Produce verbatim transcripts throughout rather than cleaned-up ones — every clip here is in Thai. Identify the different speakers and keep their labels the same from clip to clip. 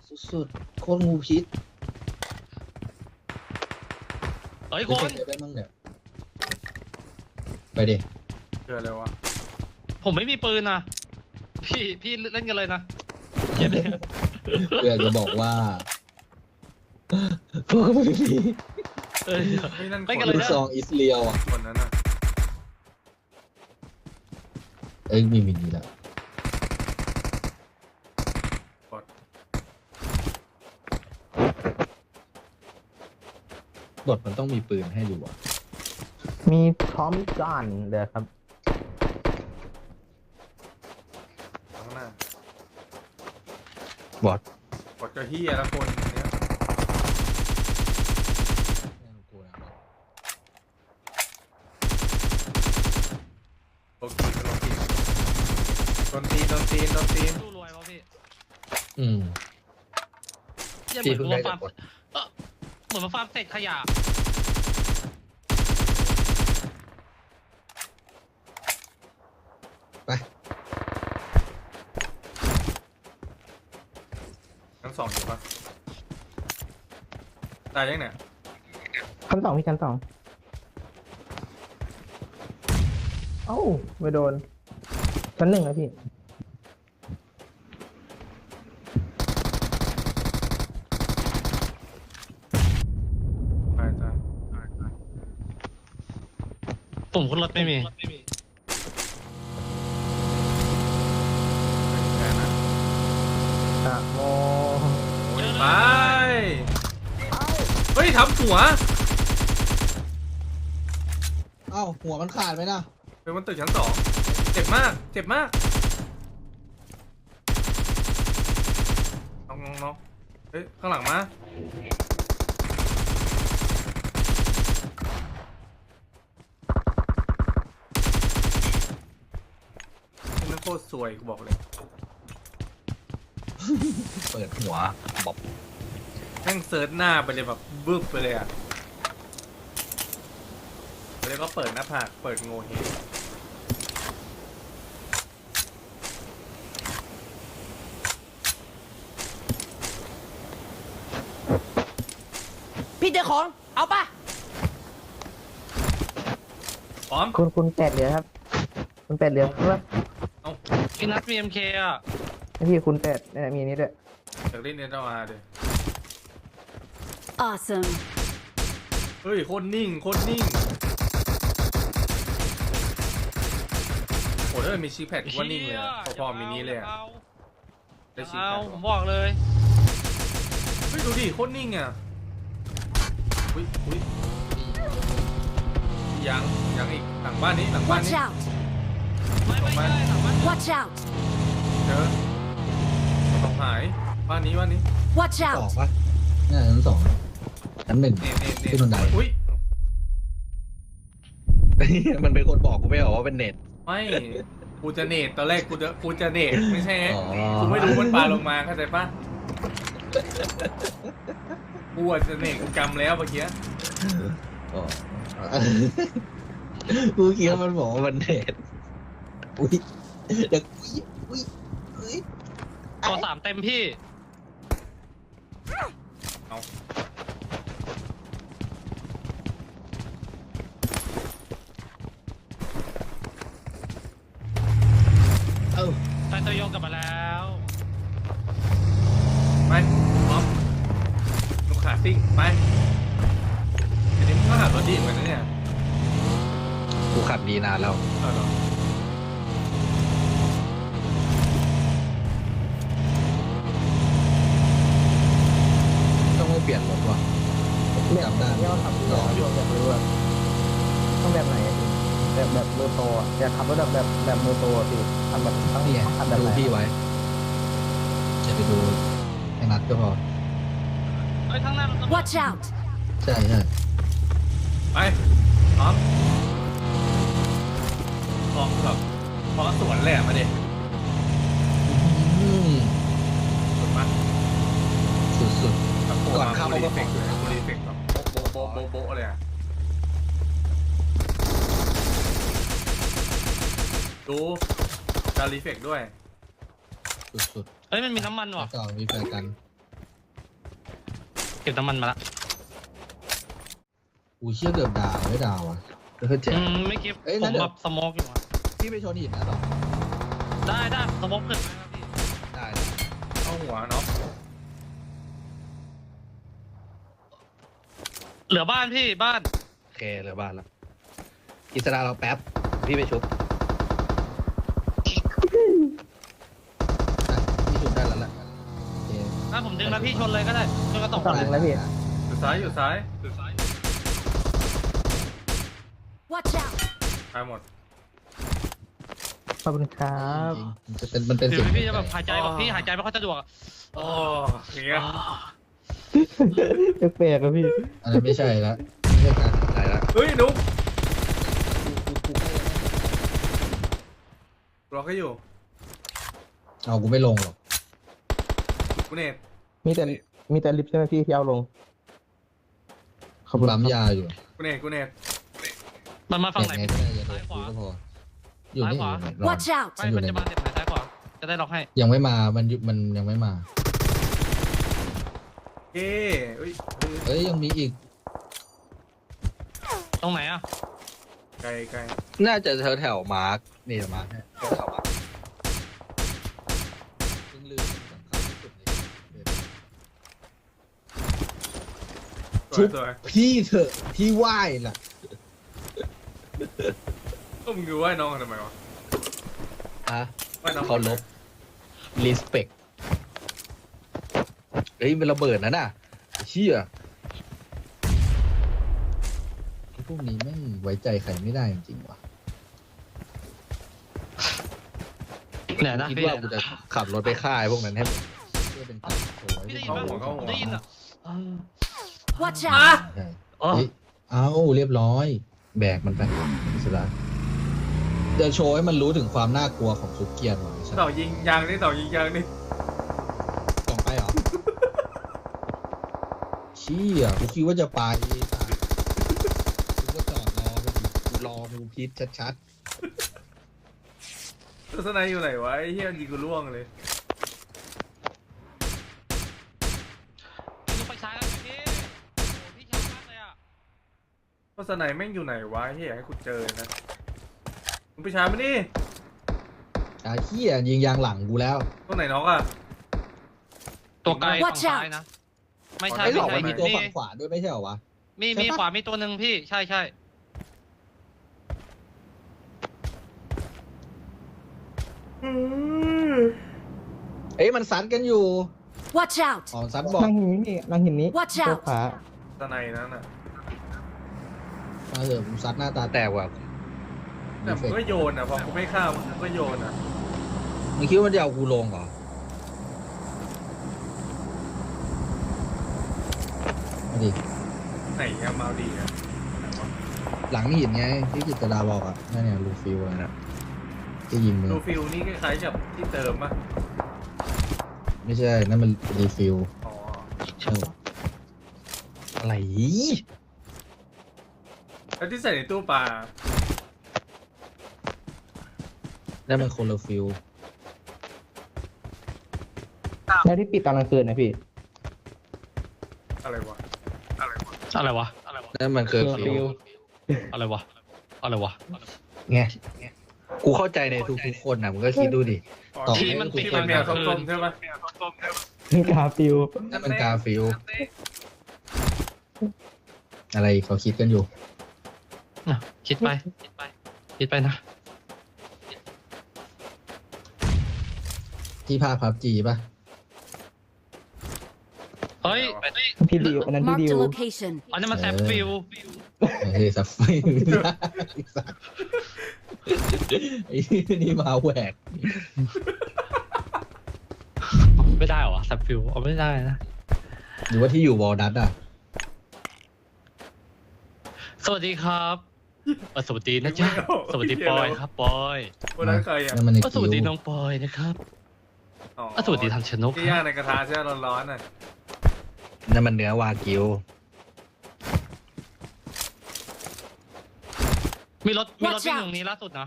Speaker 1: สุดๆโคตรงูพิษ
Speaker 2: เฮ้ย
Speaker 1: ไป
Speaker 2: คน
Speaker 1: เก็บได้มั้งเนี่ยไปดิ
Speaker 3: เจออะไรวะ
Speaker 2: ผมไม่มีปืนนะพี่พี่เล่นกันเลยนะเก็บเลย
Speaker 1: เพื่อจะบอกว่าพวกไม่มี
Speaker 2: เอ้ย
Speaker 3: เฮ้ยนั่นค
Speaker 2: ไม่
Speaker 3: น
Speaker 2: กันเลย
Speaker 1: ลูกซองอิสเรียวอ่ะ
Speaker 3: คนนั้นน่ะ
Speaker 1: เอ้ยมีมินิแล้ว
Speaker 3: บอด
Speaker 1: บทมันต้องมีปืนให้ดูอ่ะ
Speaker 4: มีพร้อมกันเดี๋ยวครับ
Speaker 3: ข้างหน้า
Speaker 1: บอท
Speaker 3: บอดก็เฮียละคนเนี้ยโอเคโอเคโดนตีนโดนตีนโดนตีน
Speaker 2: สู้รวยวะพี่
Speaker 1: อืม
Speaker 2: เหี้ยเห
Speaker 1: พี่
Speaker 2: มือน
Speaker 1: เพิ่ง
Speaker 2: มา
Speaker 1: ได้
Speaker 2: ฟา
Speaker 1: จา
Speaker 2: ร์ม
Speaker 1: กบท
Speaker 2: เออเหมือนมาฟาร์มเศษขยะ
Speaker 1: ไป
Speaker 3: ทั้งสองอยู่ปะตายยังเนี่ย
Speaker 4: ชั้นสองพี่ชั้นสองเอ้าไม่โดนชั้นหนึ่งนะพี่
Speaker 3: ตายตาย
Speaker 2: ปุ่มขึ้นรถไม่มี
Speaker 3: แค่นั้น
Speaker 4: อะโม
Speaker 3: โอ้ยไปเฮ้ยทำหัว
Speaker 1: เอ้าหัวมันขาดไหมนะ
Speaker 3: เป็นบนตึกชั้นสองเจ็บมาก เจ็บมากน้องน้องน้องเฮ้ย ข้างหลังมาเป็นนักโคตรสวยกูบอกเลย
Speaker 1: เปิดหัวบอบ
Speaker 3: แม่งเซิร์ชหน้าไปเลยแบบบึ้บไปเลยอ่ะแล้วก็เปิดหน้าผากเปิดโงเฮง
Speaker 5: พี่เจอของ เอาปะ
Speaker 3: พร้อม
Speaker 4: คุณคุณแปดเหลือครับ คุณแปดเหลือครับ
Speaker 3: เอา
Speaker 2: พี่นัทมีเอ็มเคอ่ะ
Speaker 4: ให้พี่คุณแปดเนี่ยมีอันนี้ด้วย
Speaker 3: จากเล่นเน็ตเอาอาร์ดิ
Speaker 5: awesome
Speaker 3: เฮ้ยโคตรนิ่งโคตรนิ่งโอ้ถ้ามันมีชิปแพดว่านิ่งเลยอะพอๆมินิเลยอะ
Speaker 2: เอา
Speaker 3: ได้ชิป
Speaker 2: เอา
Speaker 3: แพด
Speaker 2: ผมบอกเลย
Speaker 3: เฮ้ยดูดิโคตรนิ่งอ่ะอุ้ยอุ้ยยังยังอีกหลังบ้านนี้หลังบ้าน
Speaker 5: watch
Speaker 3: นี้
Speaker 5: out
Speaker 2: ไม่ไม่ได้หลังบ้าน
Speaker 5: watch out
Speaker 3: เจอต้องหายบ้านนี้บ้านนี้
Speaker 5: watch
Speaker 1: สอง
Speaker 5: out
Speaker 1: ปะเนี่ยชั้นสองชั้นหนึ่ง
Speaker 3: เน็ตเน็ตเน็ต
Speaker 1: ที่บันได
Speaker 3: อุ้ย
Speaker 1: มันเป็นคนบอกกูไม่เหรอว่าเป็นเน็ต
Speaker 3: ไม่กูจะเน็ตตอนแรกกูจะกูจะเน็ตไม่ใช่
Speaker 1: อ๋อ
Speaker 3: กูไม่รู้มันปาลงมาเข้าใจปะกูอาจจะเน็ตกูกำแล้วเมื่อกี้
Speaker 1: อ๋อกูคิดว่ามันบอกว่ามันเน็ตอุ้ยเดี๋ยวอุ้ยอุ้ยอุ้ย
Speaker 2: ตัวสามเต็มพี่
Speaker 3: เอา
Speaker 1: เอ้า
Speaker 2: ไซโตโยกกลับมาแล้ว
Speaker 3: ไปพร้อมลูกขาซิ่งไปอันนี้มึงก็ขับรถดีเหมือนกันนะเนี่ย
Speaker 1: กูขับดีนานแล้ว
Speaker 3: เอาเหรอ
Speaker 1: ต้องไม่เปลี่ยนรถว่ะ
Speaker 4: แบบ
Speaker 1: จำได้
Speaker 4: ที่เราทำ
Speaker 1: ลองอยู่
Speaker 4: อยากรู้อะต้องแบบไหนอะพี่แบบแบบมือโตอะอยากขับรถแบบแบบแบบมือโตอะพี่ทำแบบต้อง
Speaker 1: นี่ไง
Speaker 4: ทำแบบ
Speaker 1: ดู
Speaker 4: ไหน
Speaker 1: พี่ไว้จะไปดูไอ้นัดก็พอ
Speaker 2: เฮ้ยข้างหน้ามัน
Speaker 5: watch out
Speaker 1: ใช่ใช่
Speaker 3: ไปพร้อมพร้อมแบบพร้อมสวนเลยอะมาเด็ก
Speaker 1: อืม
Speaker 3: สวนมา
Speaker 1: สุด
Speaker 3: แบบ
Speaker 1: ก่อนเข้า
Speaker 3: รี
Speaker 1: ก็
Speaker 3: เฟก
Speaker 1: ขอ
Speaker 3: ต์รีเฟกต์แบบโบ๊ะโบ๊ะโบ๊ะโบ๊ะเลยอะดูการรีเฟกต์ด้วย
Speaker 1: ๆสุด
Speaker 2: เฮ้ยมันมีน้ำมัน
Speaker 1: ๆ
Speaker 2: ว่ะ
Speaker 1: แล้วก็มีแฟนกัน
Speaker 2: เก็บน้ำมันมาละ
Speaker 1: อุ้ยเชี่ยเกือบดาวไม่ดาวอ่ะเฮ้ยเจ๋
Speaker 2: อื
Speaker 1: ง
Speaker 2: มไม่เก็บ
Speaker 1: เอ้ย
Speaker 2: ผ
Speaker 1: งั้
Speaker 2: ม
Speaker 1: นเดี๋ยว
Speaker 2: แบบสโมกอยู่อะ
Speaker 1: พี่ไปชนหินนะหรอ
Speaker 2: ได้ได้สโมกขึ้นไหมครับพี่
Speaker 1: ได้
Speaker 3: เข้าหัวเนาะ
Speaker 2: เหลือบ้านพี่บ้าน
Speaker 1: โอเคเหลือบ้านแล้วอิสระเราแป๊บพี่ไปชุบอ่ะพี่ชุบได้แล้วล่ะโอเค
Speaker 2: ถ้าผมดึงแล้วพี่ชนเลยก็ได้ชนกระตก
Speaker 4: ต่อหนึ่งแล้วพี่
Speaker 3: อยู่ซ้ายอยู่ซ้ายอยู่ซ้าย
Speaker 5: Watch out!
Speaker 3: ตายหมด
Speaker 4: ขอบคุณครับ
Speaker 1: จริงๆมันจะเป็นมันเป็น
Speaker 2: ถือ
Speaker 1: เสียง
Speaker 2: พี่จะแบบหายใจแบบ
Speaker 3: อ๋อ
Speaker 2: พี่หายใจไม่ค่อยสะดวกอะ
Speaker 3: โอ้อย่างเงี้ย
Speaker 4: แปลกๆอะพี่
Speaker 1: อันนั้นไม่ใช่ละไม่ใช่การอะไรละ
Speaker 3: เฮ้ยนุ๊ก
Speaker 1: กูกูกูให้
Speaker 3: รอก็อยู่
Speaker 1: เอากูไม่ลงหรอก
Speaker 3: กูเน็ต
Speaker 4: มีแต่มีแต่ลิฟต์ใช่ไหมพี่ที่เอาลงขอบคุณ
Speaker 1: ปั๊มยาอยู่
Speaker 3: กูเน็ตกูเน็ต
Speaker 2: มันมาฝั่งไหน
Speaker 1: ไงก็ได้อย่าโดนกูก็พออยู่นี่อยู่นี่รอ
Speaker 5: Watch out!
Speaker 2: ไม่มันจะมาเด็ดไหนซ้ายขวาจะได้ล็อกให้
Speaker 1: ยังไม่มามันยุมันยังไม่มา
Speaker 3: เอ้ยเอ้ยเอ้ย
Speaker 1: เอ้ยยังมีอีก
Speaker 2: ตรงไหนอะ
Speaker 3: ไกลไกล
Speaker 1: น่าจะแถวแถวมาร์กนี่มาร์กเนี่ยแถวแถวมาร์กเพิ่งลืมสำคัญที่สุดเลย
Speaker 3: สวยสวย
Speaker 1: พี่เถอะพี่ไหว้ล่ะ
Speaker 3: ก็มึงดูว่าน้องทำไมวะ
Speaker 1: อ่ะ
Speaker 3: ว่าน้อง
Speaker 1: เขาลบ respect เฮ้ยเป็นระเบิดนะน่ะเชี่ยพวกนี้แม่งไว้ใจใครไม่ได้จริงๆว่ะ
Speaker 2: เนี่ยนะ
Speaker 1: คิด
Speaker 2: พี่
Speaker 1: ว่ากูจะขับรถไปฆ่าไอ้พวกนั้นให้เพื่อเป็นการโชว์ให้
Speaker 2: พี่ได้ยิน
Speaker 1: พว
Speaker 2: ปะ
Speaker 1: ก
Speaker 2: ผมได้ยินอะ
Speaker 5: Watch
Speaker 3: อ่ะ
Speaker 5: out!
Speaker 1: ใช่
Speaker 2: อ๋อ
Speaker 1: เฮ้ยเอาเรียบร้อย แบกมันไปอิสระจะโชว์ให้มันรู้ถึงความน่ากลัวของซุกเกียนหน่อยใช่ไหม
Speaker 3: ต่อยิงยางนี่ต่อยิงยางนี่
Speaker 1: ส่งไปเหรอ เชี่ยกูคิดว่าจะไปไอ้สัสกูก็จอดรอไปดิกูรอกูพิษชัด
Speaker 3: ตัวสไนอยู่ไหนวะไอ้เหี้ยยิงกูล่วงเลย
Speaker 2: ดูไฟฉายแล้วพี่โอ้พี่ช้ามากเลยอะ
Speaker 3: ตัวสไนแม่งอยู่ไหนวะไอ้เหี้ยให้กูเจอนะมึงไปช้ามาดิ
Speaker 1: ๆอาเชี่ยยิงยางหลังกูแล้ว
Speaker 3: ตัวไหนน้องอ่ะ
Speaker 2: ตัวไกลฝั่ง
Speaker 5: Watch
Speaker 2: ซ้าย
Speaker 5: out
Speaker 2: นะ ไม่ใช่
Speaker 1: ไอ้หล
Speaker 2: ไม่
Speaker 1: อก
Speaker 2: ใช่
Speaker 1: มันมี
Speaker 2: มี
Speaker 1: ตัวฝั่งขวาด้วยไม่ใช่เหรอวะ
Speaker 2: มี
Speaker 1: ใช่ปะ
Speaker 2: มีขวามีตัวหนึ่งพี่ใช่ใช่
Speaker 1: เอ้ยมันซัดกันอยู่
Speaker 5: Watch out!
Speaker 1: อ๋อซัดบอก
Speaker 4: นั่งหินนี้นั่งหินนี้
Speaker 5: Watch
Speaker 4: ตัว
Speaker 5: out
Speaker 4: ขา
Speaker 3: ตัวไหนนั่นอ่ะ
Speaker 1: มาเถอะกูซัดหน้าตาแตกว่ะ
Speaker 3: แต่มึงก็โยนอ่ะพอกูไม่ฆ่ามึงก็โยนอ่ะ
Speaker 1: มึงคิดว่ามันจะเอากูลงเหรอมาดิ
Speaker 3: ไหนอะมาดีอ่ะ
Speaker 1: หลังหินไงที่กิตดาบอกอ่ะนั่นเนี่ยลูฟิวอะไรนะที่ยิงมือ
Speaker 3: ดูฟิลนี่คล้ายๆกับที่เติมอ่ะ
Speaker 1: ไม่ใช่นั่นมันรีฟิล
Speaker 3: อ๋อ
Speaker 1: ใช่ปะอะไร
Speaker 3: แล้วที่ใส่ในตู้ปลา
Speaker 1: นั่นมันคนละฟิล
Speaker 4: แล้วที่ปิดตอนกลางคืนนะพี่
Speaker 3: อะไรวะ
Speaker 2: อะไรวะอะไรวะ
Speaker 1: นั่นมันคือ
Speaker 4: เคอร์
Speaker 1: ฟิ
Speaker 4: ฟิ
Speaker 1: ล
Speaker 4: ว
Speaker 2: อะไรวะอะไรวะ
Speaker 1: ไงกูเข้าใจในทุกๆคนนะมึงก็คิดดูดิ
Speaker 3: อ๋อ
Speaker 1: ต่อ
Speaker 3: ที่
Speaker 1: ให้
Speaker 3: มัน
Speaker 1: ทุก
Speaker 3: ที่
Speaker 1: ค
Speaker 3: มัน
Speaker 1: น
Speaker 3: แมวส้มๆใช่ปะ
Speaker 4: กาฟิว
Speaker 1: นั่นมันกาฟิลอะไรเขาคิดกันอยู่
Speaker 2: อ่ะคิดไปคิดไปคิดไปนะ
Speaker 1: ที่ภาคพับจีป่ะ
Speaker 2: เฮ้ยเฮ้ย
Speaker 4: พี่ดิวอันนั้นพี่
Speaker 5: Marked
Speaker 4: ดิ
Speaker 5: a
Speaker 4: ว
Speaker 5: location.
Speaker 2: อันนี้มันแซฟฟิล
Speaker 1: เฮ้ยสับไฟไอ้สัสไอ้นี่มาแหวก
Speaker 2: ไม่ได้เหรอแซฟฟิลเอาไม่ได้นะ
Speaker 1: หรือว่าที่อยู่วอลดัตอ่ะ
Speaker 2: สวัสดีครับเอ่อสวัสดีนะจ๊ะสวัสดีปอยครับปอย
Speaker 3: วันนั้นใครอ่ะ
Speaker 1: นั่นมันใน
Speaker 2: เอ่อส
Speaker 1: คิว
Speaker 2: วัสดีน้องปอยนะครับ
Speaker 3: อ๋อ
Speaker 2: เอ่อสวัสดีทางชนก
Speaker 3: ที่
Speaker 2: ค
Speaker 3: ย่าง
Speaker 2: รับ
Speaker 3: ในกระทะใช่ไหมร้อนๆน่ะ
Speaker 1: นั่นมันเนื้อวากิว
Speaker 2: มีรถมีรถ
Speaker 5: Watch
Speaker 2: วิ่ง
Speaker 5: out
Speaker 2: ตรงนี้ล่าสุดนะ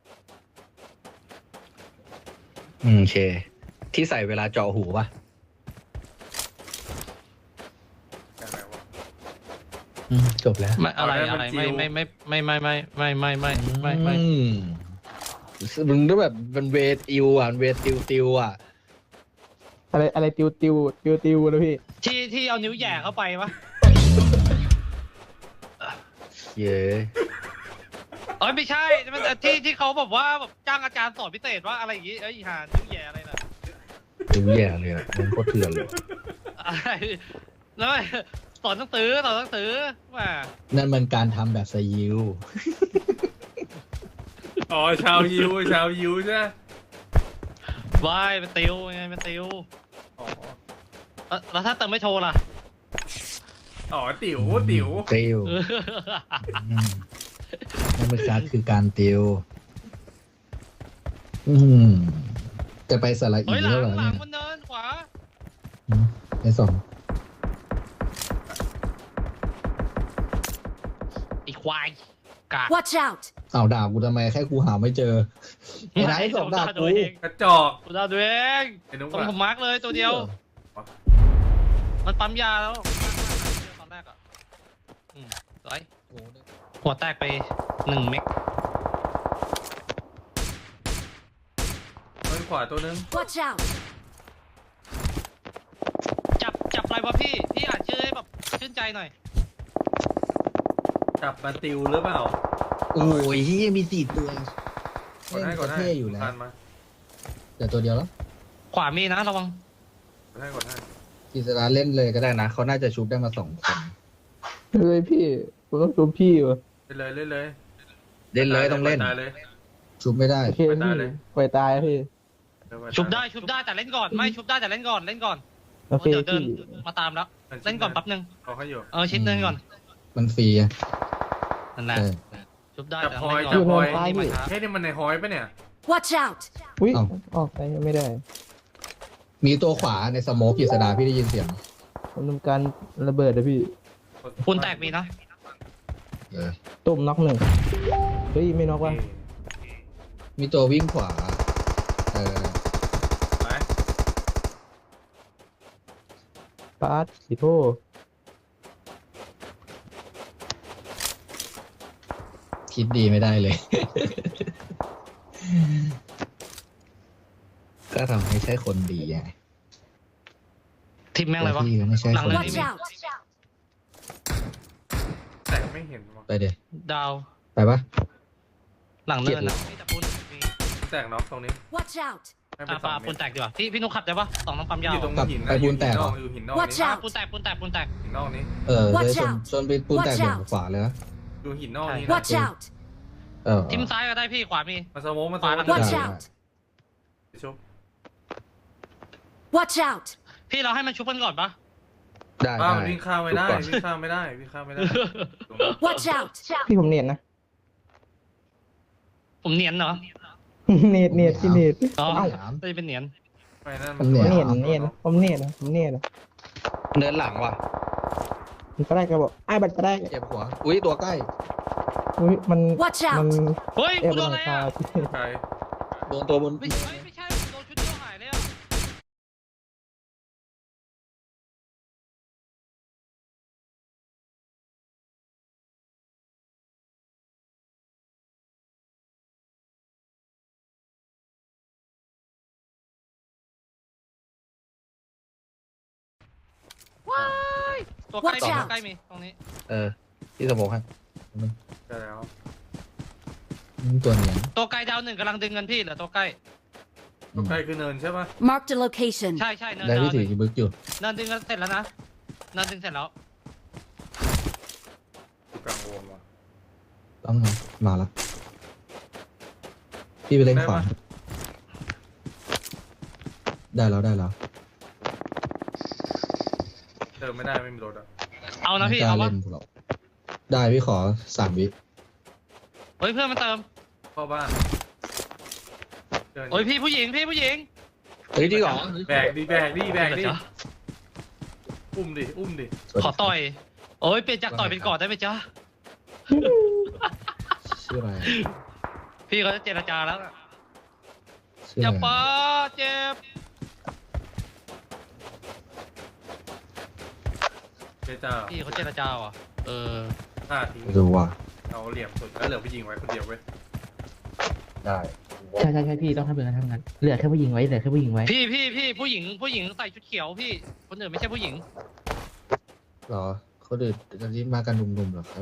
Speaker 1: อืมโอเค ที่ใส่เวลาเจาะหูป่ะอืมจบแล้ว
Speaker 2: ไม่อะไร
Speaker 3: เอาได้
Speaker 2: อะไร
Speaker 3: เป็น
Speaker 2: ไม่
Speaker 3: จิว
Speaker 2: ไม่ไม่ไม่ไม่ไม่ไม่ไม่ไม่ไม่ไม่
Speaker 1: อืมมึงต้องแบบเป็นเวติวอ่ะเวติวติวอ่ะ
Speaker 4: อะไรอะไรติวติวติวติวนะพี่
Speaker 2: ที่ที่เอานิ้วแหย่เข้าไปวะ
Speaker 1: เย้
Speaker 2: เอ้ยไม่ใช่มันที่ที่เขาแบบว่าแบบจ้างอาจารย์สอนพิเศษว่าอะไรอย่างงี้เอ้ยหานิ้วแหย่อะไรน่ะ
Speaker 1: ดูแย่เลยอ่ะมันโคตรเถื่อนเลย
Speaker 2: อะไรแล้วสอนหนังสือสอนหนังสือว่า
Speaker 1: นั่นมันการทำแบบสยิว
Speaker 3: อ๋อชาวยิวชาวยิวใช่ไหม
Speaker 2: วายเป็นติวไงเป็นติว
Speaker 3: อ๋อ
Speaker 2: แล้วแล้วถ้าเติมไม่โชว์ล่ะ
Speaker 3: อ๋อติ๋วติ๋ว
Speaker 1: ติวอืมนั่นมันการคือการติว อืมจะไปสระอี
Speaker 2: เฮ้ยหลั
Speaker 1: แล้ว
Speaker 2: ง
Speaker 1: เหรอ
Speaker 2: หลั
Speaker 1: เนี่
Speaker 2: ง
Speaker 1: ย
Speaker 2: มันเดินขวา
Speaker 1: อืมไอ้สอง
Speaker 2: ไอ้ควายกาก
Speaker 5: Watch out!
Speaker 1: เอาด่ากูทำไมแค่กูหาไม่เจอไอ้ไหนไอ้สองด่า
Speaker 2: ตัว
Speaker 1: กู
Speaker 2: เอง
Speaker 3: กระจอก
Speaker 2: กูด่าตัวเอง
Speaker 3: ไอ้นุ๊ก
Speaker 2: ตรง
Speaker 3: อะ
Speaker 2: ผมมาร์กเลยตัวเดียว มันปั๊มยาแล้วตอนแรกอ่ะอืมสวยหัวแตกไปหนึ่งเมก
Speaker 3: เฮ้ยขวาตัวนึง
Speaker 5: Watch out!
Speaker 2: จับจับอะไรวะพี่ พี่อ่านชื่อให้แบบชื่นใจหน่อย
Speaker 3: จับมาติวหรือเปล่า
Speaker 1: โอ้ยเฮียมีสี่ตัว
Speaker 3: กดให้กดให้
Speaker 1: เท่อยู่แล้ว
Speaker 3: ทันมา
Speaker 1: แต่ตัวเดียวแล้ว
Speaker 2: ขวามีนะระวัง
Speaker 3: กดให้กดให้
Speaker 1: กิษราเล่นเลยก็ได้นะ เขาน่าจะชุบได้มาสองคน
Speaker 4: เฮ้ยพี่ผมต้องดูพี่วะ
Speaker 3: เล่นเลยเล่นเลย
Speaker 1: เล่นเลยต้องเล่น
Speaker 3: ตายเลย
Speaker 1: ชุบไม่ได้
Speaker 4: โอเค
Speaker 3: ไป
Speaker 4: พี่
Speaker 3: ตายเลย
Speaker 4: ปล่อยตายพี่
Speaker 3: เล่นไป
Speaker 2: ชุบได้ชุบได้แต่เล่นก่อน ไม่ชุบได้แต่เล่นก่อนเล่นก่อน
Speaker 4: โอเค
Speaker 2: เดี๋ยวเดิน
Speaker 4: พี่
Speaker 2: มาตามแล้ว เล่นก่อนแป๊บนึง
Speaker 3: เขาให้อยู่
Speaker 2: เออชิดเดินก่อน
Speaker 1: มันฟรีอะ
Speaker 2: นั่นแหละ
Speaker 1: เออ
Speaker 2: ชุบได้
Speaker 3: จับ
Speaker 2: แต่
Speaker 3: พลอย
Speaker 2: เล่นก่อน
Speaker 3: จับพลอย
Speaker 2: นี่มาช้า
Speaker 3: เฮ้ยนี่มันในหอยปะเนี่ย
Speaker 5: Watch out!
Speaker 4: อุ้ย
Speaker 1: เอ้า
Speaker 4: ออกไปไม่ได้
Speaker 1: มีตัวขวาในสโมกกิษดาพี่ได้ยินเสียง
Speaker 4: ผมทำการระเบิดนะพี่
Speaker 2: คุณแตกมีนะ
Speaker 1: เออ
Speaker 4: ตุ่มน็อกหนึ่งเฮ้ยไม่น็อก
Speaker 3: โอ
Speaker 4: วะ
Speaker 3: เค
Speaker 1: มีตัววิ่งขวา เออ
Speaker 3: ไป
Speaker 4: ปาร์ตสีโท
Speaker 1: คิดดีไม่ได้เลย ก็ทำให้ใช่คนดีไง
Speaker 2: ทีมแม่งอะไรวะ
Speaker 1: พี่ก็ไม่ใช่คน
Speaker 2: หลังเลย
Speaker 1: ดี
Speaker 5: Watch out!
Speaker 3: แต่ไม่เห็นว่ะ
Speaker 1: ไปเดี๋ยว
Speaker 2: ดาว
Speaker 1: ไปปะ
Speaker 2: หลังเนินนะมีแต่ปูนมี
Speaker 3: แตกน็อกตรงนี้
Speaker 5: Watch out!
Speaker 3: ให้ไป
Speaker 2: อ่า
Speaker 3: สอ
Speaker 2: ปาง
Speaker 3: เม
Speaker 2: ปู
Speaker 3: ต
Speaker 2: น
Speaker 3: ร
Speaker 2: แตกดีกว่าพี่พี่นุ๊กขับได้ปะสองน้องปั๊มยาว
Speaker 3: อยู่ตรง
Speaker 1: กลับ
Speaker 3: หิน
Speaker 1: ไป
Speaker 3: นะ
Speaker 1: ปูนแตกเหรอ
Speaker 3: อยู่หินนอก
Speaker 5: Watch
Speaker 3: นี่
Speaker 2: อ่า
Speaker 5: out
Speaker 2: ปูนแตกปูนแตกปูนแตก
Speaker 3: หินนอกนี้
Speaker 1: เออ
Speaker 5: Watch
Speaker 1: เลยชน
Speaker 5: out
Speaker 1: ชนไปปูนแตก
Speaker 5: Watch
Speaker 1: เบี่ยง
Speaker 5: out
Speaker 1: ขวาเลยนะ
Speaker 3: อยู่หินนอกนี้นะ
Speaker 5: Watch out!
Speaker 1: เออ
Speaker 2: ทิมซ้ายก็ได้พี่ขวามี
Speaker 3: มาสโมกมาส
Speaker 2: ขวา
Speaker 3: โม
Speaker 2: หลั
Speaker 3: ก
Speaker 2: ง
Speaker 5: Watch
Speaker 1: ได้
Speaker 5: out!
Speaker 3: ชุบ
Speaker 5: Watch out!
Speaker 2: พี่เราให้มันชุบกันก่อนปะ
Speaker 1: ได้
Speaker 3: อ้าว
Speaker 1: ได้
Speaker 3: วิ่งข้ามไม่ได้
Speaker 1: ทุกก่อน
Speaker 3: วิ่งข้ามไม่ได้วิ่งข้ามไม่ได้ตรงนั้น
Speaker 5: Watch out!
Speaker 4: พี่ผมเนียนนะ
Speaker 2: ผมเนียนเหรอ
Speaker 4: เนียนเนียนพี่เนียน
Speaker 2: อ๋อ
Speaker 1: เอ้า
Speaker 2: ไม่ได้เป็นเนียน
Speaker 3: ไม่นั่น
Speaker 1: มันเหนื่อย
Speaker 4: เนียนเนียนผมเนียนนะผมเนียนนะ
Speaker 1: เนินหลังว่ะ
Speaker 4: มันก็ได้ก็บอกไอ้บัตรก็ได้
Speaker 1: เจ็บหัว อุ้ยตัวใกล้
Speaker 4: อุ้ยมัน
Speaker 5: Watch
Speaker 4: มัน
Speaker 5: out!
Speaker 2: เฮ้ย
Speaker 4: เอ็บ
Speaker 2: กูโด
Speaker 4: น
Speaker 2: น
Speaker 4: ห
Speaker 2: อะไร
Speaker 4: ลังคา
Speaker 2: อ่ะ
Speaker 4: พี่
Speaker 3: ใคร
Speaker 1: โดนตัวบน
Speaker 2: ไม่ใช่ไม่ใช่โดนชุดเดียวหายเลยอ่ะว้ายตัวใกล้
Speaker 5: Watch
Speaker 2: มี
Speaker 5: out
Speaker 2: ตัวใกล้มีตรงนี้
Speaker 1: เออที่สโมกให้
Speaker 3: ใช่แล้ว
Speaker 1: อืมตัวเนี้ย
Speaker 2: ตัวไกลดาวหนึ่งกำลังดึงเงินพี่เหลือตัวใกล้
Speaker 3: ตัวใกล้คือเนินใช่ปะ
Speaker 5: Marked a location.
Speaker 2: ใช่ใช่เนิน
Speaker 1: ได้
Speaker 2: ดาว
Speaker 1: พี่
Speaker 2: ห
Speaker 1: ถื
Speaker 2: นึ่
Speaker 1: อง บึกอยู่
Speaker 2: เนินดึงกันเสร็จแล้วนะเนินดึงเสร็จแล้ว
Speaker 3: อยู่กลางวงว่ะ
Speaker 1: ต้องมามาแล้ว พี่ไปเล่น
Speaker 3: ได้
Speaker 1: ขวา
Speaker 3: ปะ
Speaker 1: ได้แล้วได้แล้ว
Speaker 3: เติมไม่ได้ไม่มีรถอ่ะ
Speaker 2: เอานะพี่
Speaker 1: ไม่กล้
Speaker 2: เอาวะ
Speaker 1: เล่นหรอกได้พี่ขอสามวิ
Speaker 2: เฮ้ยเพื่อนมาเติม
Speaker 3: เข้าบ้านเดิน
Speaker 2: โอ้ยพี่ผู้หญิงพี่ผู้หญิง
Speaker 1: เฮ้ยจริงเหรอ
Speaker 3: แบกดิแบกดิแบกดิ
Speaker 2: เดี๋ยวจ๊ะ
Speaker 3: อุ้มดิอุ้มดิ
Speaker 2: ขอต่อยโอ้ยเปลี่ยนจากต่อยเป็นกอดได้ไหมจ๊ะ
Speaker 1: ชื่ออะไร
Speaker 2: พี่เขาจะเจรจาแล้วน่ะ
Speaker 1: ชื่อ
Speaker 2: อย่า
Speaker 1: อะไร
Speaker 2: ป้าเจ็บ
Speaker 3: เจจ้า
Speaker 2: พี่เขาเจรจาว่ะ
Speaker 3: เอ
Speaker 2: เออ
Speaker 3: ฆ่าทิ้ง
Speaker 1: ไม่รู้ว่ะ
Speaker 3: เอาเหลี่ยมสุดแล้วเหลือผู้หญิงไว้คนเดียวเว้ย
Speaker 1: ได้
Speaker 4: ใช่ใช่ใช่พี่ต้องทำแบบนั้นทำงั้นเหลือแค่ผู้หญิงไว้เหลือแค่ผู้หญิงไว้
Speaker 2: พี่พี่พี่ผู้หญิงผู้หญิงใส่ชุดเขียวพี่คนอื่นไม่ใช่ผู้หญิง
Speaker 1: เหรอเขาเดินตอนนี้มากันหนุ่มๆเหรอครับ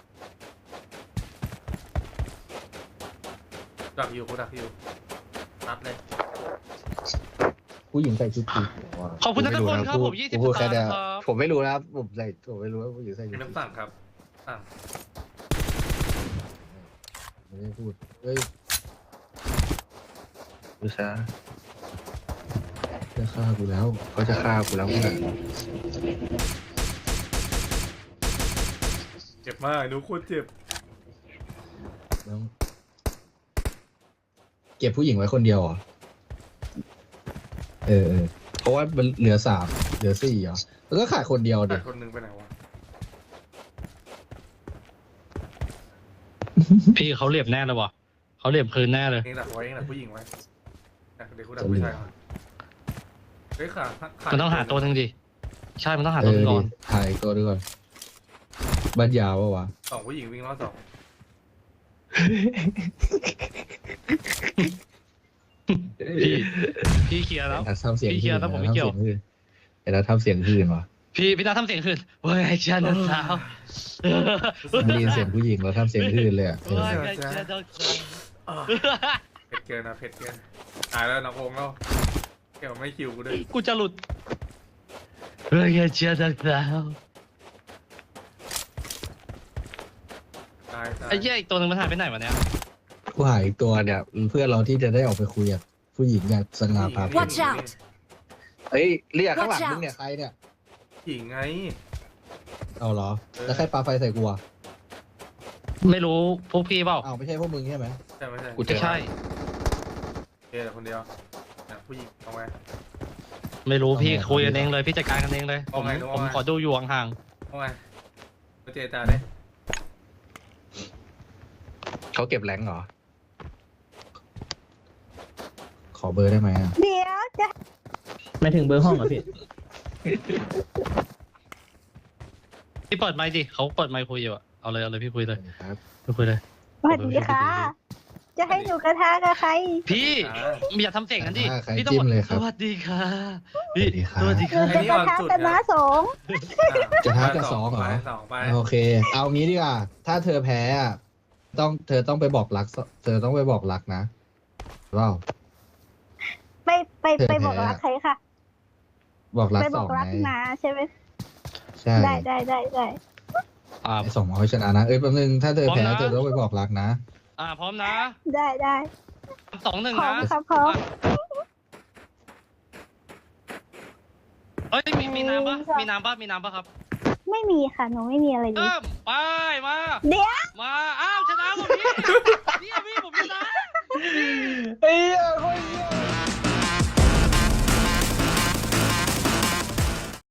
Speaker 3: ดักอยู่กูดักอยู่นัดเลย
Speaker 1: ผู้หญิงใส่ชุดสีเขียวอะ
Speaker 2: ขอบคุณนัทพลครับ
Speaker 1: พู
Speaker 2: ผ
Speaker 1: ด
Speaker 2: มยี่สิบ
Speaker 1: พูด
Speaker 2: ส
Speaker 1: แค่
Speaker 2: ตางค์
Speaker 1: เนี้ย
Speaker 2: ครับ
Speaker 1: ผมไม่รู้นะครับผมใส่ผมไม่รู้ว่าผู้หญิงใส่ชุ
Speaker 3: มี
Speaker 1: ดสี
Speaker 3: น้ำสั่งครับสั่ง
Speaker 1: ไม่ได้พูดเฮ้ยดูซะจะฆ่ากูแล้วเขาจะฆ่ากูแล้วเพื่อน
Speaker 3: เจ็บมากหนูโคตรเจ็บ
Speaker 1: แล้วเก็บผู้หญิงไว้คนเดียวเหรอเออเออเพราะว่ามันเหลือสามเหลือสี่เหรอแล้วก็ขาดคนเดียว
Speaker 3: แต่
Speaker 1: เด็ก
Speaker 3: คนหนึงไปไหนวะ
Speaker 2: พี่เขาเหลี่ยมแน่เลยวะเขาเหลี่ยมคืนแน่เลย
Speaker 3: เองดักไว้เองดักผู้หญิงไว้ดักเด็กกูดักผู้ชายก่อนเฮ้ยขาขา
Speaker 2: มันต้องหาตัวหนึ่งดิใช่มันต้องหา
Speaker 1: เอ
Speaker 2: ตัวห
Speaker 1: อ
Speaker 2: นึ่งก่
Speaker 1: ดิ
Speaker 2: อน
Speaker 1: ถ่ายตัวด้วยก่อนบ้านยาวปะวะ
Speaker 3: สองผู้หญิงวิ่งรอบสอง
Speaker 2: พี่พี่เคลียร์แล้ว
Speaker 1: แต่ทำเสียง
Speaker 2: พี่เคลียร์แล้วผมไม่เกี่ยว
Speaker 1: แต่เราทำเสียงหื่นวะ
Speaker 2: พี่พี่ตาทำเสียงคืนเว้ยเจ้าน้องสาว
Speaker 1: ไม่ได้ยินเสียงผู้หญิงเราทำเสียงหื่นเลยอะเออ
Speaker 2: เว้ยเจ้าน้องสาว
Speaker 3: เผ็ดเกินนะเผ็ดเกินตายแล้วน้ององแล้วแกไม่คิวกูด้วย
Speaker 2: กูจะหลุดเฮ้ยเจ้าน้องสาว
Speaker 3: ตายตาย
Speaker 2: ไอ้เหี้ยอีกตัวหนึ่งมันหายไปไหนวะเนี่ย
Speaker 1: ผู้หายอีกตัวเนี่ยเพื่อนเราที่จะได้ออกไปคุยกับผู้หญิงเนี่ยสง่าผ่าเผย
Speaker 5: Watch out
Speaker 1: เฮ้ยเรียกข้างหลัง
Speaker 5: Watch out
Speaker 1: มึงเนี่ยใครเนี่ย
Speaker 3: หญิงไง
Speaker 1: เอาเหรอแล้วใครปาไฟใส่กูอะ
Speaker 2: ไม่รู้พวกพี่เปล่า
Speaker 1: อ้าวไม่ใช่พวกมึงใช่ไหม
Speaker 3: ใช่ไม่ใช่
Speaker 1: กูเจอ
Speaker 2: ใช่
Speaker 3: เอแต่คนเดียวนะผู้หญิงเอาไง
Speaker 2: ไม่รู้พี่คุยกันเองเลยพี่จัดการกันเองเลยผ
Speaker 3: เอา
Speaker 2: ม
Speaker 3: ไง
Speaker 2: ผม
Speaker 3: เอาไง
Speaker 2: ขอดูอยู่ห่าง
Speaker 3: เอาไงมาเจรจาเลย
Speaker 1: เขาเก็บแรงค์เหรอขอเบอร์ได้ไหมอะ
Speaker 6: เดี๋ยวจะ
Speaker 4: ไม่ถึงเบอร์ห้องเหรอพี่
Speaker 2: ๆพี่เปิดไมค์ดิเขาเปิดไมค์คุยอยู่อะเอาเลยเอาเลยพี่คุยเลย
Speaker 1: ครับ
Speaker 2: พี่คุยเลย
Speaker 6: สวัสดีค่ะ จะให้หนูกระทะกับใคร
Speaker 2: พี่อย่าทำเสียงกันดิ
Speaker 1: อ่าใคร
Speaker 2: พี่ต้อง
Speaker 1: จิ้
Speaker 2: บ
Speaker 1: ม
Speaker 2: อก
Speaker 1: เลยค
Speaker 2: ส
Speaker 1: รับ
Speaker 2: วัสดีค่ะพี่
Speaker 1: สวัสดีครับ
Speaker 2: สวัสดี
Speaker 6: หนู
Speaker 2: ค่ะ
Speaker 6: จะกระทะกับน้าสง
Speaker 1: จะท้ากับสองเหรอ
Speaker 3: สองไป
Speaker 1: โอเค เอางี้ดีกว่า ถ้าเธอแพ้อะต้องเธอต้องไปบอกรัก เธอต้องไปบอกรักนะว้าว
Speaker 6: ไปไปไปบอกรักใครค่ะ
Speaker 1: บอกรัก
Speaker 6: ไป
Speaker 1: ส
Speaker 6: บ
Speaker 1: อ
Speaker 6: อง กรัก
Speaker 1: ไง
Speaker 6: นาใช่ไหม
Speaker 1: ใช่
Speaker 6: ได้ได้ได้ได้
Speaker 2: อ่า
Speaker 1: ไอ้สองเอาชนะนะ เอ้ยแป๊บนึง ถ้าเธอแพ้
Speaker 2: พร้อมนะ
Speaker 1: เธอต้องไปบอกรักนะ
Speaker 2: อ่าพร้อมนะ
Speaker 6: ได้ได้
Speaker 2: สองหนึ่ง
Speaker 6: พร้อ
Speaker 2: นะ
Speaker 6: มครับพร้อม
Speaker 2: เอ้ยมีมีน้ำปะมีน้ำปะมีน้ำปะครับ
Speaker 6: ไม่มีค่ะหนูไม่มีอะไรเลย
Speaker 2: เริ่มไปมา
Speaker 6: เดี๋ยว
Speaker 2: มาอ้าวชนะหมดพี่เนี่ย